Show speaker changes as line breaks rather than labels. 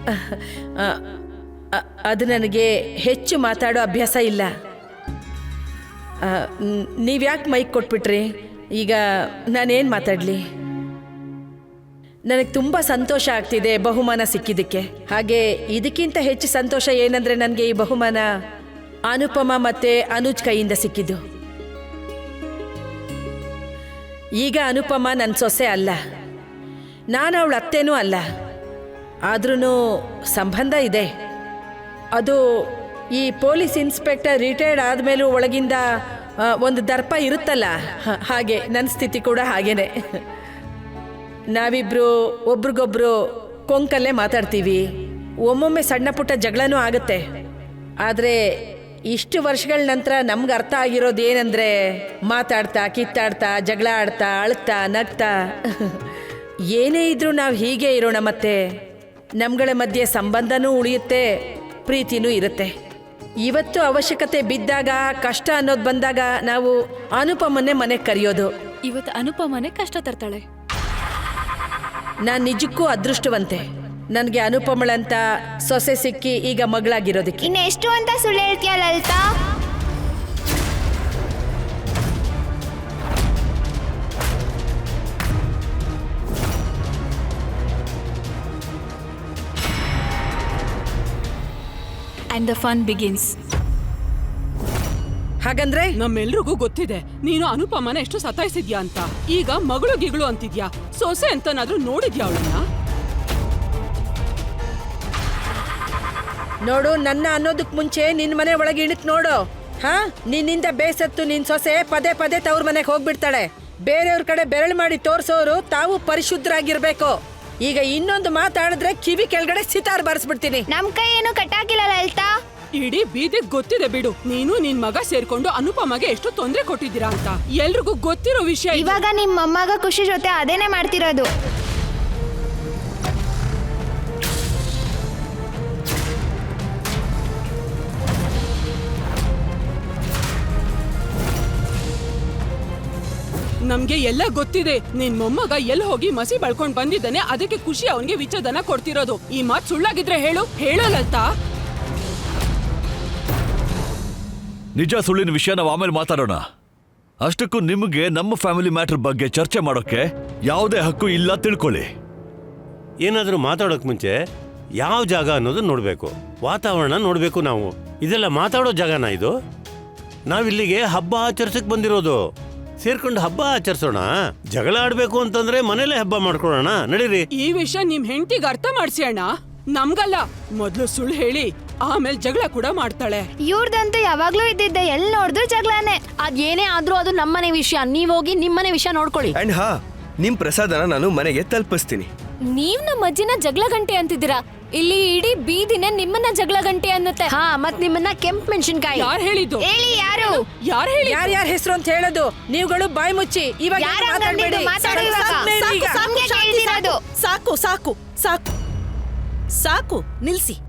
ಅದು ನನಗೆ ಹೆಚ್ಚು ಮಾತಾಡೋ ಅಭ್ಯಾಸ ಇಲ್ಲ. ನೀವ್ಯಾಕೆ ಮೈಕ್ ಕೊಟ್ಬಿಟ್ರಿ? ಈಗ ನಾನೇನು ಮಾತಾಡಲಿ? ನನಗೆ ತುಂಬ ಸಂತೋಷ ಆಗ್ತಿದೆ ಬಹುಮಾನ ಸಿಕ್ಕಿದ್ದಕ್ಕೆ. ಹಾಗೆ ಇದಕ್ಕಿಂತ ಹೆಚ್ಚು ಸಂತೋಷ ಏನಂದರೆ ನನಗೆ ಈ ಬಹುಮಾನ ಅನುಪಮ ಮತ್ತು ಅನುಜ್ ಕೈಯಿಂದ ಸಿಕ್ಕಿದ್ದು. ಈಗ ಅನುಪಮ ನನ್ನ ಸೊಸೆ ಅಲ್ಲ, ನಾನು ಅವಳ ಅತ್ತೇನೂ ಅಲ್ಲ. ಆದ್ರೂ ಸಂಬಂಧ ಇದೆ. ಅದು ಈ ಪೊಲೀಸ್ ಇನ್ಸ್ಪೆಕ್ಟರ್ ರಿಟೈರ್ಡ್ ಆದಮೇಲೂ ಒಳಗಿಂದ ಒಂದು ದರ್ಪ ಇರುತ್ತಲ್ಲ, ಹಾಗೆ ನನ್ನ ಸ್ಥಿತಿ ಕೂಡ ಹಾಗೇನೆ. ನಾವಿಬ್ರು ಒಬ್ರಿಗೊಬ್ರು ಕೊಂಕಲ್ಲೇ ಮಾತಾಡ್ತೀವಿ. ಒಮ್ಮೊಮ್ಮೆ ಸಣ್ಣ ಪುಟ್ಟ ಜಗಳನೂ ಆಗುತ್ತೆ. ಆದರೆ ಇಷ್ಟು ವರ್ಷಗಳ ನಂತರ ನಮ್ಗೆ ಅರ್ಥ ಆಗಿರೋದು ಏನಂದರೆ, ಮಾತಾಡ್ತಾ ಕಿತ್ತಾಡ್ತಾ ಜಗಳ ಆಡ್ತಾ ಅಳ್ತಾ ನಗ್ತಾ ಏನೇ ಇದ್ರೂ ನಾವು ಹೀಗೆ ಇರೋಣ. ಮತ್ತೆ ನಮ್ಗಳ ಮಧ್ಯೆ ಸಂಬಂಧನೂ ಉಳಿಯುತ್ತೆ, ಪ್ರೀತಿನೂ ಇರುತ್ತೆ. ಇವತ್ತು ಅವಶ್ಯಕತೆ ಬಿದ್ದಾಗ, ಕಷ್ಟ ಅನ್ನೋದು ಬಂದಾಗ ನಾವು ಅನುಪಮನ್ನೇ ಮನೆಗೆ ಕರೆಯೋದು.
ಇವತ್ತು ಅನುಪಮನೆ ಕಷ್ಟ ತರ್ತಾಳೆ.
ನಾನು ನಿಜಕ್ಕೂ ಅದೃಷ್ಟವಂತೆ, ನನಗೆ ಅನುಪಮಳಂತ ಸೊಸೆ ಸಿಕ್ಕಿ ಈಗ ಮಗಳಾಗಿರೋದಕ್ಕೆ.
ಇನ್ನೆಷ್ಟು ಅಂತ ಸುಳ್ಳು ಹೇಳ್ತೀಯ Lalitha?
And the fun begins.
ಹಾಗಂದ್ರೆ
ನಮ್ಮೆಲ್ರಿಗೂ ಗೊತ್ತಿದೆ ನೀನು ಅನುಪಮನ ಎಷ್ಟು ಸತಾಯಿಸಿದ್ಯಾ ಅಂತ. ಈಗ ಮಗಳು ಗಿಗಳು ಅಂತಿದ್ಯಾ, ಸೊಸೆ ಅಂತನಾದ್ರೂ ನೋಡಿದ್ಯಾ ಅವಳನ್ನ?
ನೋಡು, ನನ್ನ ಅನ್ನೋದಕ್ ಮುಂಚೆ ನಿನ್ ಮನೆ ಒಳಗೆ ಇಣಕ್ ನೋಡು. ನಿನ್ನಿಂದ ಬೇಸತ್ತು ನಿನ್ ಸೊಸೆ ಪದೇ ಪದೇ ತವ್ರ ಮನೆಗೆ ಹೋಗ್ಬಿಡ್ತಾಳೆ. ಬೇರೆಯವ್ರ ಕಡೆ ಬೆರಳು ಮಾಡಿ ತೋರ್ಸೋರು ತಾವು ಪರಿಶುದ್ಧರಾಗಿರ್ಬೇಕು. ಈಗ ಇನ್ನೊಂದು ಮಾತಾಡಿದ್ರೆ ಕಿವಿ ಕೆಳಗಡೆ ಸಿತಾರ್ ಬಾರಿಸ್ಬಿಡ್ತೀನಿ.
ನಮ್ ಕೈ ಏನು ಕಟ್ಟಾಕಿಲ್ಲ ಲಲಿತಾ.
ಇಡೀ ಬೀದಿಗ್ ಗೊತ್ತಿದೆ ಬಿಡು, ನೀನು ನಿನ್ ಮಗ ಸೇರ್ಕೊಂಡು ಅನುಪಮಗೆ ಎಷ್ಟು ತೊಂದರೆ ಕೊಟ್ಟಿದ್ದೀರಾ ಅಂತ. ಎಲ್ರಿಗೂ ಗೊತ್ತಿರೋ ವಿಷಯ.
ಇವಾಗ ನಿಮ್ ಮೊಮ್ಮಗ ಖುಷಿ ಜೊತೆ ಅದೇನೆ ಮಾಡ್ತಿರೋದು.
ನಮ್ಗೆ ಎಲ್ಲ ಗೊತ್ತಿದೆ. ನಿನ್ ಮೊಮ್ಮಗ ಎಲ್ಲಿ ಹೋಗಿ ಮಸಿ ಬಳ್ಕೊಂಡ್ ಬಂದಿದ್ದಾನೆ, ಅದಕ್ಕೆ ಖುಷಿ ಅವನ್ಗೆ ವಿಚ್ಛೇದನ ಕೊಡ್ತಿರೋದು. ಈ ಮಾತ್ ಸುಳ್ಳಾಗಿದ್ರೆ ಹೇಳೋಲಲ್ತಾ?
ನಿಜ ಸುಳ್ಳಿನ ವಿಷಯ ನಾವು ಆಮೇಲೆ ಮಾತಾಡೋಣ. ಅಷ್ಟಕ್ಕೂ ನಿಮಗೆ ನಮ್ಮ ಫ್ಯಾಮಿಲಿ ಮ್ಯಾಟರ್ ಬಗ್ಗೆ ಚರ್ಚೆ ಮಾಡೋಕೆ ಯಾವುದೇ ಹಕ್ಕು ಇಲ್ಲ, ತಿಳ್ಕೊಳ್ಳಿ.
ಏನಾದರೂ ಮಾತಾಡೋಕ್ ಮುಂಚೆ ಯಾವ ಜಾಗ ಅನ್ನೋದು ನೋಡ್ಬೇಕು, ವಾತಾವರಣ ನೋಡ್ಬೇಕು. ನಾವು ಇದೆಲ್ಲ ಮಾತಾಡೋ ಜಾಗನ ಇದು? ನಾವಿಲ್ಲಿಗೆ ಹಬ್ಬ ಆಚರಿಸಕ್ ಬಂದಿರೋದು. ಸೇರ್ಕೊಂಡು ಹಬ್ಬ ಆಚರಿಸೋಣ. ಜಗಳ ಆಡ್ಬೇಕು ಅಂತಂದ್ರೆ ಮನೇಲೆ ಹಬ್ಬ ಮಾಡ್ಕೊಳ್ಳೋಣ, ನಡೀರಿ.
ಈ ವಿಷಯ ನಿಮ್ ಹೆಂಡತಿಗೆ ಅರ್ಥ ಮಾಡ್ಸಿ ಅಣ್ಣ, ನಮ್ಗಲ್ಲ. ಮೊದ್ಲು ಸುಳ್ಳು ಹೇಳಿ ಆಮೇಲೆ ಜಗಳ ಕೂಡ ಮಾಡ್ತಾಳೆ.
ಇವ್ರದಂತೂ ಯಾವಾಗ್ಲೂ ಇದ್ದಿದ್ದೆ, ಎಲ್ಲಿ ನೋಡಿದ್ರು ಜಗಳನೇ.
ಅದೇನೇ ಆದ್ರೂ ಅದು ನಮ್ಮನೆ ವಿಷಯ. ನೀವೋಗಿ ನಿಮ್ಮನೆ ವಿಷಯ ನೋಡ್ಕೊಳ್ಳಿ.
ಅಂಡ್ ನಿಮ್ ಪ್ರಸಾದನ ನಾನು ಮನೆಗೆ ತಲುಪಿಸ್ತೀನಿ.
ನೀವ್ ನಮ್ಮ ಅಜ್ಜಿನ ಜಗಳ ಗಂಟೆ ಅಂತಿದ್ದೀರಾ. ಇಲ್ಲಿ ಇಡೀ ಬೀದಿನೇ ನಿಮ್ಮನ್ನ ಜಗಳ ಗಂಟೆ ಅನ್ನುತ್ತೆ. ಮತ್ ನಿಮ್ಮನ್ನ ಕೆಂಪ್ ಮೆಣಸಿನ್ಕಾಯಿ.
ಯಾರು ಹೇಳಿದ್ದು?
ಹೇಳಿ ಯಾರು?
ಯಾರು ಹೇಳಿ?
ಯಾರ್ಯಾರ ಹೆಸರು ಅಂತ ಹೇಳೋದು? ನೀವುಗಳು ಬಾಯಿ ಮುಚ್ಚಿ. ಇವಾಗ
ಸಾಕು
ಸಾಕು ಸಾಕು ನಿಲ್ಸಿ.